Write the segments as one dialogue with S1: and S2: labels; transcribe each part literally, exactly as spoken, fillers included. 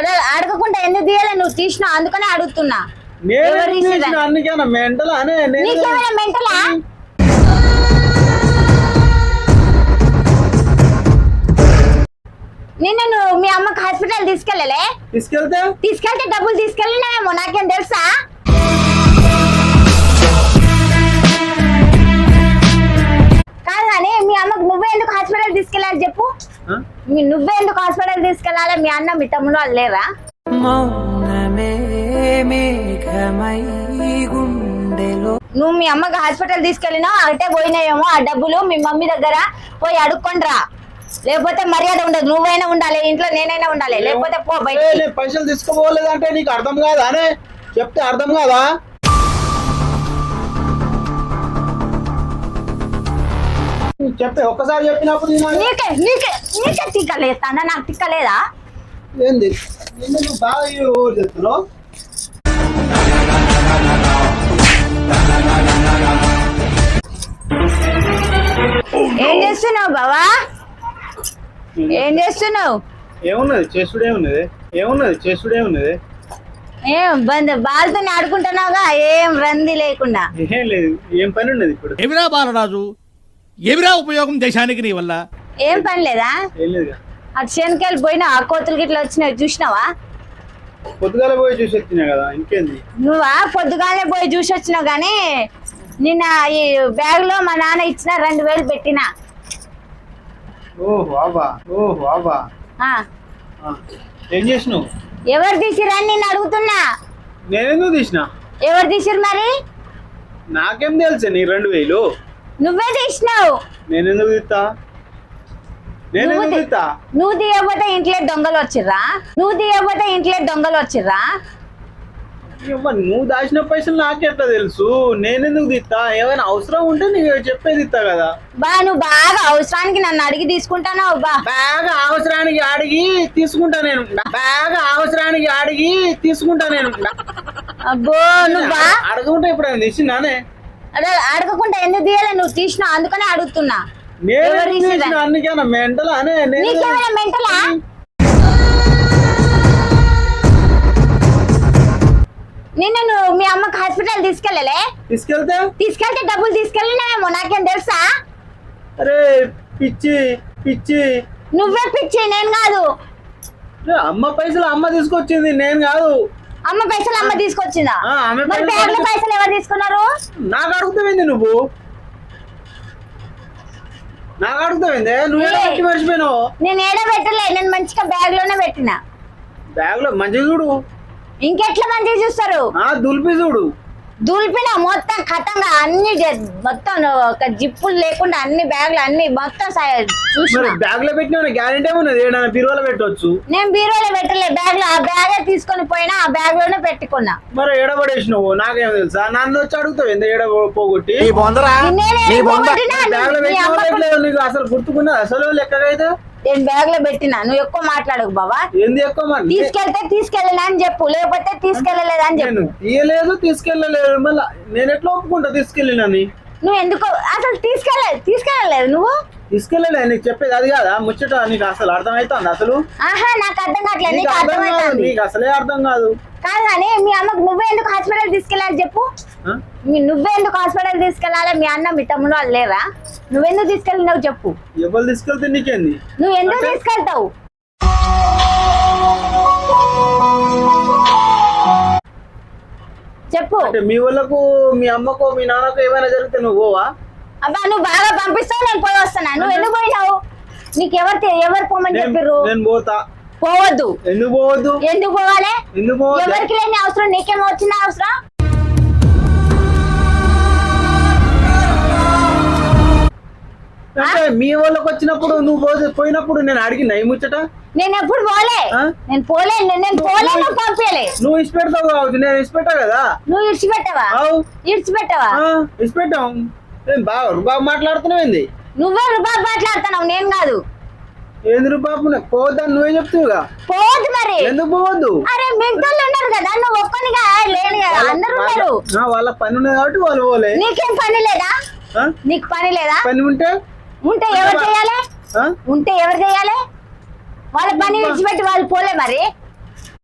S1: అదే అడగకుండా ఎందుకు తీయాలి? నువ్వు తీసినావు అందుకనే అడుగుతున్నా. నీకేమైనా మెంటలా? నిన్న నువ్వు మీ అమ్మకి హాస్పిటల్ తీసుకెళ్ళలే?
S2: తీసుకెళ్తే
S1: తీసుకెళ్తే డబ్బులు తీసుకెళ్ళినామేమో, నాకేం తెలుసా? కాదు కానీ మీ అమ్మకు నువ్వే ఎందుకు హాస్పిటల్ తీసుకెళ్ళాలి చెప్పు? మీ నువ్వే ఎందుకు హాస్పిటల్ తీసుకెళ్ళాలి? మీ అన్న మీ తమ్ముడు వాళ్ళు లేరా? నువ్వు మీ అమ్మకి హాస్పిటల్ తీసుకెళ్ళినా అంటే పోయినాయేమో ఆ డబ్బులు మీ మమ్మీ దగ్గర పోయి అడుక్కొండ్రా, లేకపోతే మర్యాద ఉండదు. నువ్వైనా ఉండాలి ఇంట్లో, నేనైనా ఉండాలి, లేకపోతే పో బయట.
S2: పైసలు తీసుకోపోలేదంటే నీకు అర్థం కాదా? అనే చెప్తే అర్థం కాదా? చెప్తే ఒక్కసారి చెప్పినప్పుడు
S1: నీకే నీకే నీకే తిక్కలేస్తానా? నాకు తిక్కలేదా?
S2: ఏంది నువ్వు బాగా చెప్తున్నావు?
S1: ఏం చేస్తున్నావు బావా? ఏం చేస్తున్నావు?
S2: ఏమున్నది చేసుడే ఉన్నది, ఏమున్నది చేసుడే ఉన్నది.
S1: ఏం బంద్ బాల్తో ఆడుకుంటున్నావుగా, ఏం రంది లేకుండా.
S2: ఏం లేదు, ఏం పని ఉన్నది ఇప్పుడు?
S3: ఎవిరా బాలరాజు, ఎవిరా ఉపయోగం దేశానికి నీ వల్ల?
S1: ఏం పని లేదా?
S2: ఏం లేదు.
S1: అటు శనకాయలు పోయినా ఆ కోతులు గిట్ల వచ్చినాయి చూసినావా?
S2: పొద్దుగాల పోయి చూసి వచ్చినా కదా, ఇంకేంది?
S1: నువ్వా పొద్దుగానే పోయి చూసి వచ్చినావు కానీ నిన్న ఈ బ్యాగ్ లో మా నాన్న ఇచ్చిన రెండు వేలు పెట్టినా.
S2: ఓహో అబ్బా, ఓహో అబ్బా. ఏం చేసినావు?
S1: ఎవరు తీసిరా అని నేను అడుగుతున్నా.
S2: నేనెందుకు తీసినా?
S1: ఎవరు తీసిరు మరి?
S2: నాకేం తెలుసా నీ రెండు వేలు?
S1: నువ్వే తీసినావు.
S2: నేనెందుకు తీస్తా? నేనెందుకు తీస్తా?
S1: నువ్వు తీయకపోతే ఇంట్లో దొంగలు వచ్చిర్రా? నువ్వు తీయకపోతే ఇంట్లో దొంగలు వచ్చిర్రా?
S2: నువ్వు దాచిన పైసలు నాకెట్లా తెలుసు? నేనెందుకు తీస్తా? ఏమైనా అవసరం ఉంటే నీకు చెప్పేది ఇస్తా కదా.
S1: బా నువ్వు బాగా అవసరానికి నన్ను అడిగి తీసుకుంటానావు. బా
S2: బాగా అవసరానికి అడిగి తీసుకుంటా నేను. బాగా అవసరానికి అడిగి తీసుకుంటా నేను.
S1: అబ్బో నువ్వు
S2: అడగకుంటే ఇప్పుడు ఆయన తీసిందానే?
S1: అదే అడగకుండా ఎందుకు తీయాలి? నువ్వు తీసినావు అందుకనే అడుగుతున్నా.
S2: అందుకేనా మెంటలా? అనే
S1: నీకేమైనా మెంటలా? నిన్న నువ్వు మీ అమ్మకి హాస్పిటల్ తీసుకెళ్ళలే?
S2: తీసుకెళ్తే
S1: తీసుకెళ్తే డబ్బులు తీసుకెళ్ళినామేమో, నాకేం తెలుసా?
S2: అరే పిచ్చి పిచ్చి.
S1: నువ్వే పిచ్చి, నేను కాదు.
S2: అమ్మ పైసలు అమ్మ తీసుకొచ్చింది, నేను కాదు.
S1: అమ్మ పైసలు అమ్మ తీసుకొచ్చిందా?
S2: మరి
S1: బ్యాగ్ లో పైసలు ఎవరు తీసుకున్నారు?
S2: నాకు అడుగుతావేంది నువ్వు? నాకు అడుగుతావేంది? నువ్వు ఏడబెట్టి మర్చిపోయినావు.
S1: నేను ఏడో పెట్టలే, నేను మంచిగా బ్యాగ్ లోనే పెట్టినా.
S2: బ్యాగ్ లో మంచిగా చూడు.
S1: ఇంకెట్లా మంచిగా చూస్తారు?
S2: దులిపి చూడు.
S1: దులిపిన మొత్తం ఖతంగా అన్ని మొత్తం ఒక జిప్పులు లేకుండా అన్ని బ్యాగ్లు అన్ని మొత్తం చూసిన.
S2: బ్యాగ్ లో పెట్టిన గ్యారెంటీ ఏమున్నది? బీరువాలో పెట్టవచ్చు.
S1: నేను బీరువాలో పెట్టలే, బ్యాగ్ లో ఆ బ్యాగే తీసుకొని పోయినా ఆ బ్యాగ్ లోనే పెట్టుకున్నా.
S2: మరి ఏడబడేసినావు, నాకేం తెలుసా? నన్ను వచ్చి అడుగుతావు ఎంత ఏడ పోగొట్టి? నీకు అసలు గుర్తుకున్నా అసలు లెక్కగైతే?
S1: నేను బ్యాగ్ లో పెట్టినా, నువ్వు ఎక్కువ మాట్లాడకు బాబా.
S2: ఏంది ఎక్కువ?
S1: తీసుకెళ్తే తీసుకెళ్ళలే అని చెప్పు, లేకపోతే తీసుకెళ్ళలేదు అని చెప్పు.
S2: తీయలేదు తీసుకెళ్ళలేదు, మళ్ళీ నేను ఎట్లా ఒప్పుకుంటా తీసుకెళ్ళినని?
S1: నువ్వు ఎందుకు అసలు తీసుకెళ్ళలేదు? తీసుకెళ్ళలేదు నువ్వు?
S2: తీసుకెళ్ళలే, నీకు చెప్పేది అది కాదా ముచ్చట? నీకు అసలు అర్థం అవుతుంది అసలు?
S1: ఆహా నాకు అర్థం కావట్లేదు. నీకు అర్థం అవుతుంది?
S2: నీకు అసలే అర్థం కాదు.
S1: కాదు కానీ మీ అమ్మకు నువ్వే ఎందుకు హాస్పిటల్ తీసుకెళ్ళాలి చెప్పు? నువ్వే ఎందుకు హాస్పిటల్ తీసుకెళ్ళాలి? మీ అన్న మీ తమ్ముడు వాళ్ళు లేరా? నువ్వెందుకు తీసుకెళ్ళినావు చెప్పు?
S2: ఎవరు తీసుకెళ్తే నీకేంది?
S1: నువ్వు ఎందుకు తీసుకెళ్తావు? చెప్పు.
S2: మీ వాళ్ళకు మీ అమ్మకు మీ నాన్నకు ఏమైనా జరిగితే నువ్వు పోవా?
S1: అబ్బా నువ్వు బాగా పంపిస్తావు, నేను పోయి వస్తాను. నువ్వు ఎందుకు పోయినావు? నీకు ఎవరు ఎవరు పోమని చెప్పారు?
S2: నేను పోతా.
S1: పోవద్దు.
S2: ఎందుకు పోవద్దు?
S1: ఎందుకు పోవాలి?
S2: ఎందుకు పోవద్దు?
S1: ఎవరికి లేని అవసరం నీకేమో వచ్చిన అవసరం?
S2: అంటే మీ వాళ్ళకి వచ్చినప్పుడు నువ్వు పోయినప్పుడు నేను అడిగిన ఈ ముచ్చట?
S1: నేను ఎప్పుడు పోలే, నేను పోలే, నేను పోలే, నువ్వు పంపించలే.
S2: నువ్వు ఇచ్చిపెడతావు కావచ్చు, నేను ఇచ్చిపెట్టా కదా.
S1: నువ్వు ఇడిచిపెట్టవా? ఇడిచిపెట్టవా?
S2: ఇచ్చిపెట్టాం. బాగా రుబాబు మాట్లాడుతున్నావు ఏంది?
S1: నువ్వే రుబాబు మాట్లాడుతున్నావు, నేను కాదు.
S2: ఏంది రుబాబు? పోవద్దని నువ్వే చెప్తావుగా.
S1: పోవద్దు మరి.
S2: ఎందుకు పోవద్దు?
S1: అరే మిగతాళ్ళు ఉన్నారు కదా, నువ్వు ఒక్కనిగా లేని కదా, అందరూ ఉన్నారు.
S2: వాళ్ళ పని ఉన్నది కాబట్టి వాళ్ళు పోలే.
S1: నీకేం పని లేదా? నీకు పని లేదా?
S2: పని ఉంటే
S1: ఉంటే ఎవరు చేయాలి? ఉంటే ఎవరు చేయాలి? వాళ్ళ పని విడిచిపెట్టి వాళ్ళు పోలే మరి.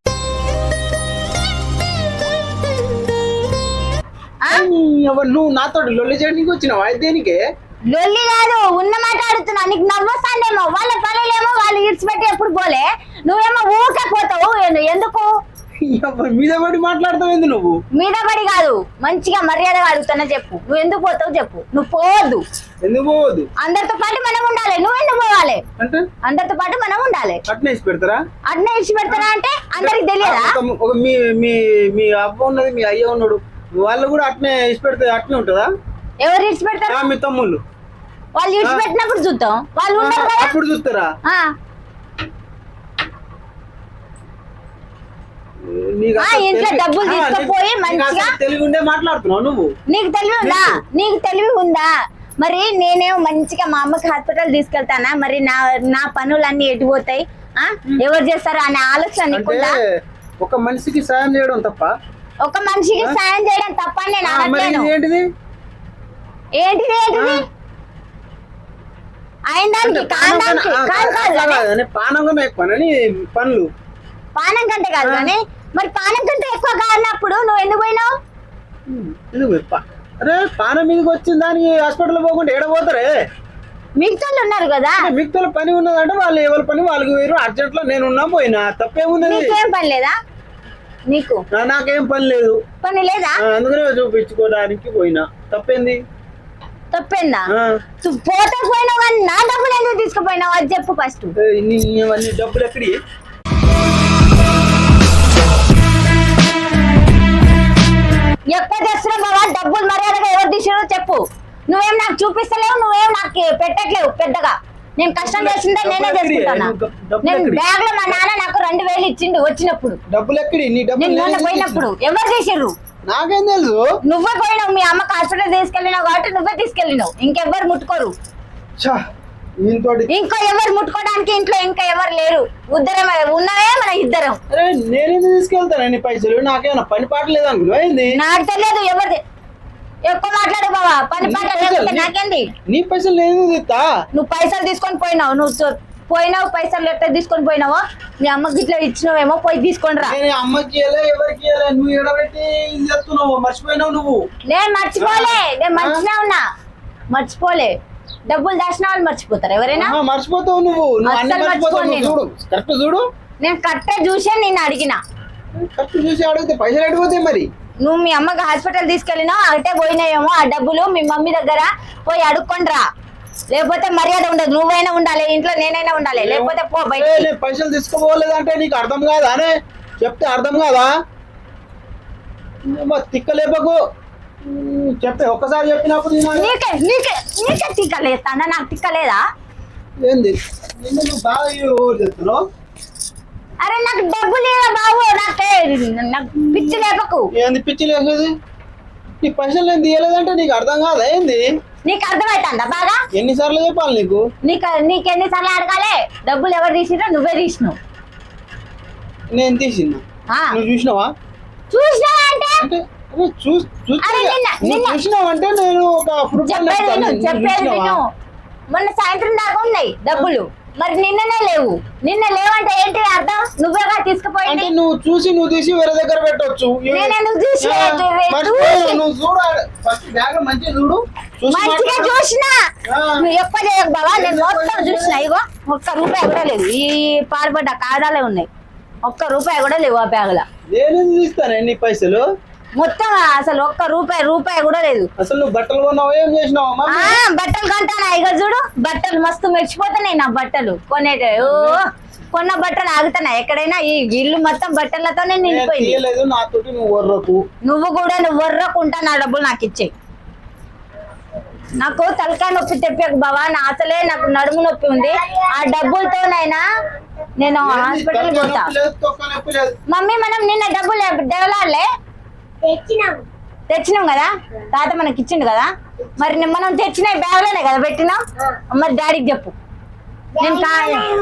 S2: ఎవరు నువ్వు నాతో లొల్లి చేయడానికి వచ్చినావు అయితే దేనికే
S1: లొల్లి కాదు ఉన్న మాట అడుగుతున్నా. నీకు నవ్వొస్తాండేమో, వాళ్ళ పనులేమో వాళ్ళు ఇడిచిపెట్టి ఎప్పుడు పోలే, నువ్వేమో ఊరికే పోతావు. ఎందు- ఎందుకు
S2: ఎవరు మీద పడి మాట్లాడతావు నువ్వు
S1: మీద పడి కాదు, మంచిగా మర్యాదగా అడుగుతున్నా చెప్పు. నువ్వు ఎందుకు పోతావు చెప్పు. నువ్వు పోవద్దు,
S2: ఎందుకు పోవద్దు?
S1: అందరితో పాటు మనం ఉండాలి. నువ్వు ఎందుకు పోవాలి?
S2: అంటే
S1: అందరితో పాటు మనం ఉండాలి.
S2: అట్నే ఇచ్చి పెడతారా?
S1: అట్నే ఇచ్చి పెడతారా అంటే అందరికి తెలియదా?
S2: ఒక- ఒక మీ మీ మీ అవ్వ ఉన్నది, మీ అయ్య ఉన్నాడు, వాళ్ళు కూడా అట్నే ఇచ్చి పెడితే అట్నే ఉంటుందా?
S1: ఎవరు ఇడిచి పెడతారు?
S2: ఆ, మీ తమ్ముళ్ళు
S1: వాళ్ళు ఇడిచి పెట్టినప్పుడు చూద్దాం. వాళ్ళు ఉండరు కదా.
S2: అప్పుడు చూస్తారా?
S1: ఆ,
S2: నీకు
S1: ఆ,
S2: అసలు
S1: ఇంట్లో
S2: తెలివి-
S1: డబ్బులు
S2: ఆ,
S1: తీసుకుపోయి
S2: నీకు- నీకు
S1: మంచిగా
S2: అసలు తెలివి ఉండే మాట్లాడుతున్నావు నువ్వు.
S1: నీకు తెలివి ఉందా? నీకు తెలివి ఉందా? మరి నేనేమో మంచిగా మా అమ్మకి హాస్పిటల్ తీసుకెళ్తానా? మరి నా నా పనులన్నీ ఎటు పోతాయి? ఆ, ఎవరు చేస్తారు అనే ఆలోచన
S2: అంటే
S1: నీకుందా?
S2: ఒక మనిషికి సాయం చేయడం తప్ప
S1: ఒక మనిషికి సాయం చేయడం తప్ప అని నేను
S2: ఆ, మరి
S1: అనట్లేను.
S2: ఇది ఏంటిది?
S1: ఏంటిది ఏంటిది అయిన దానికి కాని దానికి
S2: ఆ,
S1: కాదు కాదు కానీ
S2: కాదు, పానం కన్నా ఎక్కువనని పనులు.
S1: పానం కంటే కాదు కానీ మరి పానం కంటే ఎక్కువ కానప్పుడు నువ్వు ఎందుకు పోయినావు?
S2: ఎందుకు పా- అరే పానం మీదకి వచ్చిన దానికి హాస్పిటల్ పోకుండా ఏడ పోతారే?
S1: మిగతా ఉన్నారు కదా,
S2: మిగతా పని ఉన్నదంటే వాళ్ళు ఎవరి పని వాళ్ళకి వేరు. అర్జెంట్ లో నేను ఉన్నా పోయినా తప్పేమున్నది?
S1: నీకేం పని లేదా? నీకు
S2: నా- నాకేం పని లేదు,
S1: పని లేదా?
S2: ఆ, అందుకనే చూపించుకోవడానికి పోయినా. తప్పేంది?
S1: తప్పిందా?
S2: ఆ,
S1: నువ్వు పోతే పోయినావు కానీ నా డబ్బులు ఎందుకు తీసుకుపోయినావు అది చెప్పు ఫస్ట్.
S2: ఏ, నీ ఇవన్నీ డబ్బులు ఎక్కడి?
S1: ఎక్కువ తెస్తున్నావు బాబా డబ్బులు. మర్యాదగా ఎవరు తీసిరో చెప్పు. నువ్వేం నాకు చూపిస్తలేవు, నువ్వేం నాకు పెట్టట్లేవు పెద్దగా. నేను కష్టం చేసిందే నేనే చేసుకుంటానా. నేను బ్యాగ్ లో మా నాన్న నాకు రెండు వేలు ఇచ్చిండు వచ్చినప్పుడు,
S2: డబ్బులు ఎక్కడి? నీ డబ్బులు
S1: నేను మొన్న
S2: నేను
S1: పోయినప్పుడు. ఎవరు తీసిర్రు?
S2: నాకేం తెలుసు?
S1: నువ్వే పోయినావు. మీ అమ్మకి హాస్పిటల్ తీసుకెళ్ళినావు కాబట్టి నువ్వే తీసుకెళ్ళినావు. ఇంకెవ్వరు ముట్టుకోరు.
S2: ఛా, ఈయనతోటి
S1: ఇంకా ఎవరు ముట్టుకోవడానికి ఇంట్లో ఇంకా ఎవరు లేరు. ఇద్దరం ఉన్నవే మన ఇద్దరం.
S2: అరే నేనేది తీసుకెళ్తాను నీ పైసలు? నాకేమైనా పని పాట లేదు అనుకున్నావు ఏంది?
S1: నాకు తెలియదు ఎవరిది. ఎక్కువ మాట్లాడు బాబా. పని పాట లేకపోతే నాకేంది?
S2: నీ పైసలు నేను తీస్తా.
S1: నువ్వు పైసలు తీసుకొని పోయినావు. నువ్వు చూ- పోయినావు పైసలు ఎట్లా తీసుకొని పోయినావో మీ అమ్మకి ఇట్లా ఇచ్చినావేమో పోయి తీసుకొని రా.
S2: నేను అమ్మకి ఇయ్యలే, ఎవరికి ఇయ్యలే. నువ్వు ఎడబెట్టి ఇది చేస్తున్నావు, మర్చిపోయినావు నువ్వు.
S1: నేను మర్చిపోలే, నేను మంచిగా ఉన్నా, మర్చిపోలే. డబ్బులు దాచిన వాళ్ళు మర్చిపోతారు ఎవరైనా?
S2: ఆహా, మర్చిపోతావు నువ్వు. నువ్వు అన్ని
S1: అస్సలు
S2: మర్చిపోతావు.
S1: మర్చిపోను
S2: నువ్వు చూడు, కరెక్ట్ చూడు.
S1: నేను కరెక్టే చూసే నేను అడిగిన.
S2: కరెక్ట్ చూసి అడిగితే పైసలు అడిగిపోతాయి మరి.
S1: నువ్వు మీ అమ్మకి హాస్పిటల్ తీసుకెళ్ళినావు, అటే పోయినాయేమో. ఆ డబ్బులు మీ మమ్మీ దగ్గర పోయి అడుక్కొని రా, లేకపోతే మర్యాద ఉండదు. నువ్వైనా ఉండాలి ఇంట్లో, నేనైనా ఉండాలి, లేకపోతే పో
S2: ఏ,
S1: బయట.
S2: నేను పైసలు తీసుకోపోలేదంటే నీకు అర్థం కాదా? అనే చెప్తే అర్థం కాదా? ఏమ్మా, తిక్కలేపకు. ఉమ్, చెప్పే ఒక్కసారి చెప్పినప్పుడు వినాలి.
S1: నీకే నీకే నీకే తిక్కలేస్తానా? నాకు తిక్కలేదా?
S2: ఏంది నిన్ను నువ్వు బాగా ఓవర్ చెప్తున్నావు.
S1: అరే నాకు డబ్బులు లేదా బాబు? నాకే నాకు పిచ్చి లేపకు.
S2: ఏంది పిచ్చి లేసేది? నీ పైసలు నేను తీయలేదంటే నీకు అర్థం కాదా ఏంది?
S1: నీకు అర్థమవుతుందా బాగా?
S2: ఎన్నిసార్లు చెప్పాలి నీకు?
S1: నీకు నీకెన్నిసార్లు అడగాలి? డబ్బులు ఎవరు తీసినా నువ్వే తీసినావు.
S2: నేను తీసిందా?
S1: ఆ,
S2: నువ్వు చూసినావా?
S1: చూసినావా అంటే
S2: అంటే అరే చూ- చూస్తే
S1: అరే నిన్న-
S2: నువ్వు
S1: నిన్న-
S2: చూసినావంటే నేను ఒక ప్రూఫ్
S1: చెప్పేది విను, చెప్పేది విను. మొన్న సాయంత్రం దాకా ఉన్నాయి డబ్బులు, మరి నిన్ననే లేవు. నిన్న లేవంటే ఏంటి అర్థం? నువ్వేగా
S2: అంటే
S1: తీసుకుపోయింది.
S2: నువ్వు చూసి నువ్వు తీసి వేరే దగ్గర పెట్టొచ్చు.
S1: నేను ఎందుకు చూసి-
S2: ఆ,
S1: చూసి-
S2: మర్చిపోయావు. నువ్వు చూడు ఫస్ట్ బ్యాగ్ మంచిగా చూడు. చూసి
S1: మంచిగా
S2: మాట్లాడు.
S1: చూసినా.
S2: ఆ.
S1: నువ్వు ఎక్కువ చేయకు బాబా. నేను మొత్తం చూసిన. ఇగో ఒక్క రూపాయి కూడా లేదు. ఈ పాడుపడ్డ కాదాలే ఉన్నాయి. ఒక్క రూపాయి కూడా లేవు ఆ బ్యాగ్ లో.
S2: నేనేం తీస్తాను నీ పైసలు?
S1: మొత్తం అసలు ఒక్క రూపాయి రూపాయి కూడా లేదు.
S2: అసలు నువ్వు బట్టలు కొన్నావు, ఏం చేసినావు అమ్మా?
S1: ఆ బట్టలు కొంటానా? ఇక చూడు బట్టలు మస్తు మెరిచిపోతున్నాయి నా బట్టలు. కొనేట ఓ కొన్న బట్టలు ఆగుతున్నాయి ఎక్కడైనా. ఈ ఇల్లు మొత్తం బట్టలతోనే
S2: నేను
S1: నిండిపోయింది.
S2: తీయలేదు నాతోటి, నువ్వు వర్రకు.
S1: నువ్వు కూడా నువ్వు వర్రకుంటా నా డబ్బులు నాకు ఇచ్చేయి. నాకు తలకాయ నొప్పి తెప్పకు బావా. నా అసలే నాకు నడుము నొప్పి ఉంది. ఆ డబ్బులతోనైనా నేను హాస్పిటల్
S2: తలకాయ
S1: పోతా.
S2: నొప్పి లేదు, తొక్క నొప్పి లేదు.
S1: మమ్మీ మనం నిన్న డబ్బులు డెవలాలే తెచ్చినాం కదా, తాత మనకి ఇచ్చిండు కదా. మరి ని- మనం తెచ్చిన బ్యాగ్ లోనే కదా పెట్టినాం. మరి డాడీకి చెప్పు. నేను కా-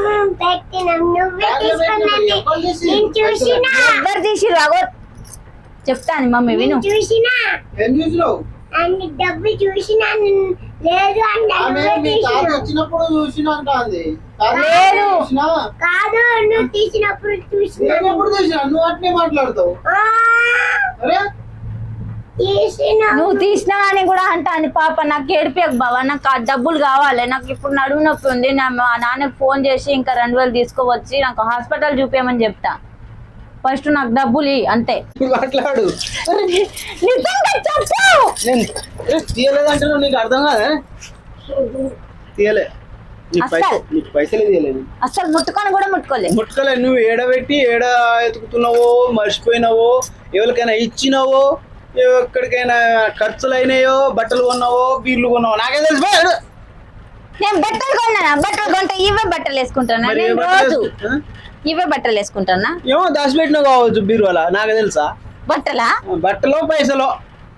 S2: ఎవరు తీసి?
S1: ఎవ్వరు తీసిరు అగో చెప్తాను మమ్మీ విను.
S4: చూసినా
S2: ఏం చూసినావు?
S4: అన్ని డబ్బు చూసినా లేదు అంటే
S2: ఆమె
S4: నువ్వే
S2: మీ తాత
S4: తీసినావు.
S2: వచ్చినప్పుడు చూసినా అంటాంది. తాత
S1: లేదు.
S2: చూసినా?
S4: కాదు నువ్వు తీసినప్పుడు చూసినా
S2: నేను ఎప్పుడు చూసినా? నువ్వు అట్నే మాట్లాడతావు.
S4: ఆ,
S2: అరే
S4: తీసిన
S1: నువ్వు తీసినా అని కూడా అంటాను పాప. నాకు ఏడిపోయాక బావా, నాకు ఆ డబ్బులు కావాలి. నాకు ఇప్పుడు నడుము నొప్పి ఉంది. నా మా నాన్నకి ఫోన్ చేసి ఇంకా రెండు వేలు తీసుకోవచ్చి నాకు హాస్పిటల్ చూపించమని చెప్తా. ఫస్ట్ నాకు డబ్బులు ఇయ్యి, అంతే.
S2: మాట్లాడు.
S1: నిజంగా చెప్పు.
S2: నేను ఏ, తీయలేదంటే నీకు అర్థం కాదా? తీయలే. నీ పైస-
S1: అస్సలు.
S2: నీకు పైసలే తీయలేదు.
S1: అసలు ముట్టుకొని కూడా ముట్టుకోలేదు.
S2: ముట్టుకలే. నువ్వు ఏడబెట్టి ఏడ ఎతుకుతున్నావో మర్చిపోయినావో, ఎవరికైనా ఇచ్చినావో, ఎక్కడికైనా ఖర్చులు అయినాయో, బట్టలు కొన్నావో, బీర్లు కొన్నావో నాకే తెలుసు. బా, ఏడు.
S1: నేను బట్టలు కొన్నానా? బట్టలు కొంటా ఇవే బట్టలు వేసుకుంటానా
S2: మరి ఏ
S1: నేను
S2: బట్టలు
S1: రోజు?
S2: వేసుకు- ఆ?
S1: ఇవే బట్టలు వేసుకుంటానా?
S2: ఏమో దాచిపెట్టినావు కావచ్చు బీరువాల, నాకు తెలుసా?
S1: బట్టలా?
S2: బట్టలో పైసలో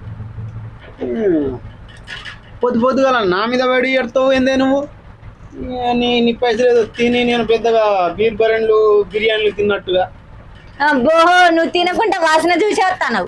S2: పొద్దు పొద్దుగా నా మీద పడి ఎడతావు ఏందే నువ్వు? ఏ, నీ నీ పైసలు ఏదో తిని నేను పెద్దగా బీర్ బరెండ్లు బిర్యానీలు తిన్నట్టుగా.
S1: అబ్బో, నువ్వు తినకుండా వాసన చూసి వస్తాను.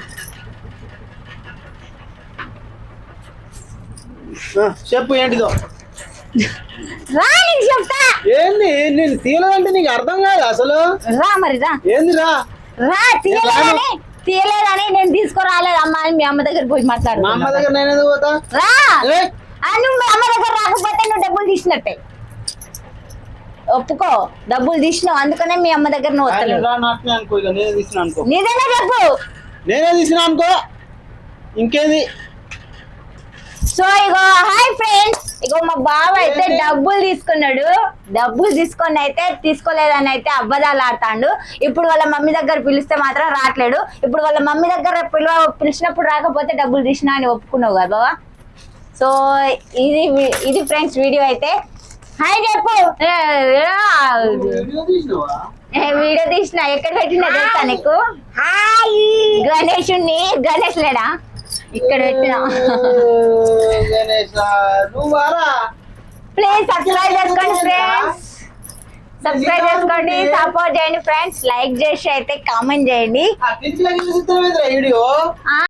S2: ఆ, చెప్పు ఏంటిదో?
S1: రా నీకు చెప్తా.
S2: ఏంది నేను తీయలేదంటే నీకు అర్థం కాదు అసలు?
S1: రా మరి రా.
S2: ఏంది రా?
S1: రా తీయలేదని తీయలేదని నేను తీసుకురాలేదు అమ్మ అని మీ అమ్మ దగ్గర పోయి
S2: మా అమ్మ
S1: మాట్లాడుతున్నా.
S2: దగ్గర నేను ఎందుకు పోతా?
S1: రా.
S2: ఏ?
S1: ఆ, నువ్వు మీ అమ్మ దగ్గర రాకపోతే నువ్వు డబ్బులు తీసినట్టే. ఒప్పుకో, డబ్బులు తీసినావు అందుకనే మీ అమ్మ దగ్గర నువ్వు
S2: ఆయన
S1: వస్తలేవు.
S2: రా నాటనే అనుకో, ఇక నేనే తీసిన అనుకో.
S1: నిజంగా చెప్పు.
S2: నేనే తీసిన అనుకో, ఇంకేది?
S1: సో ఇగో హాయ్ ఫ్రెండ్స్, ఇగో మా బావ అయితే డబ్బులు తీసుకున్నాడు. డబ్బులు తీసుకొని అయితే తీసుకోలేదని అయితే అబద్ధాలు ఆడతాడు. ఇప్పుడు వాళ్ళ మమ్మీ దగ్గర పిలిస్తే మాత్రం రావట్లేడు. ఇప్పుడు వాళ్ళ మమ్మీ దగ్గర పిలువ పిలిచినప్పుడు రాకపోతే డబ్బులు తీసినా అని ఒప్పుకున్నావు కదా బావా. సో ఇది ఇది ఫ్రెండ్స్ వీడియో అయితే. హాయ్ చెప్పు. ఏ, ఏ,
S2: వీడియో తీసినావా?
S1: ఏ, వీడియో తీసిన ఎక్కడ పెట్టినా తెలుసా నీకు?
S4: హాయ్
S1: గణేషుని గణేష్ లేడా ఇక్కడ పెట్టినా.
S2: ఏ, గణేశ, నువ్వు వారా?
S1: ప్లీజ్ సబ్స్క్రైబ్ చేసుకోండి ఫ్రెండ్స్. సబ్స్క్రైబ్ చేసుకోండి, సపోర్ట్ చేయండి ఫ్రెండ్స్. లైక్ చేసి అయితే కామెంట్ చేయండి.
S2: ఆ పిచ్చిలకి చూసి వీడియో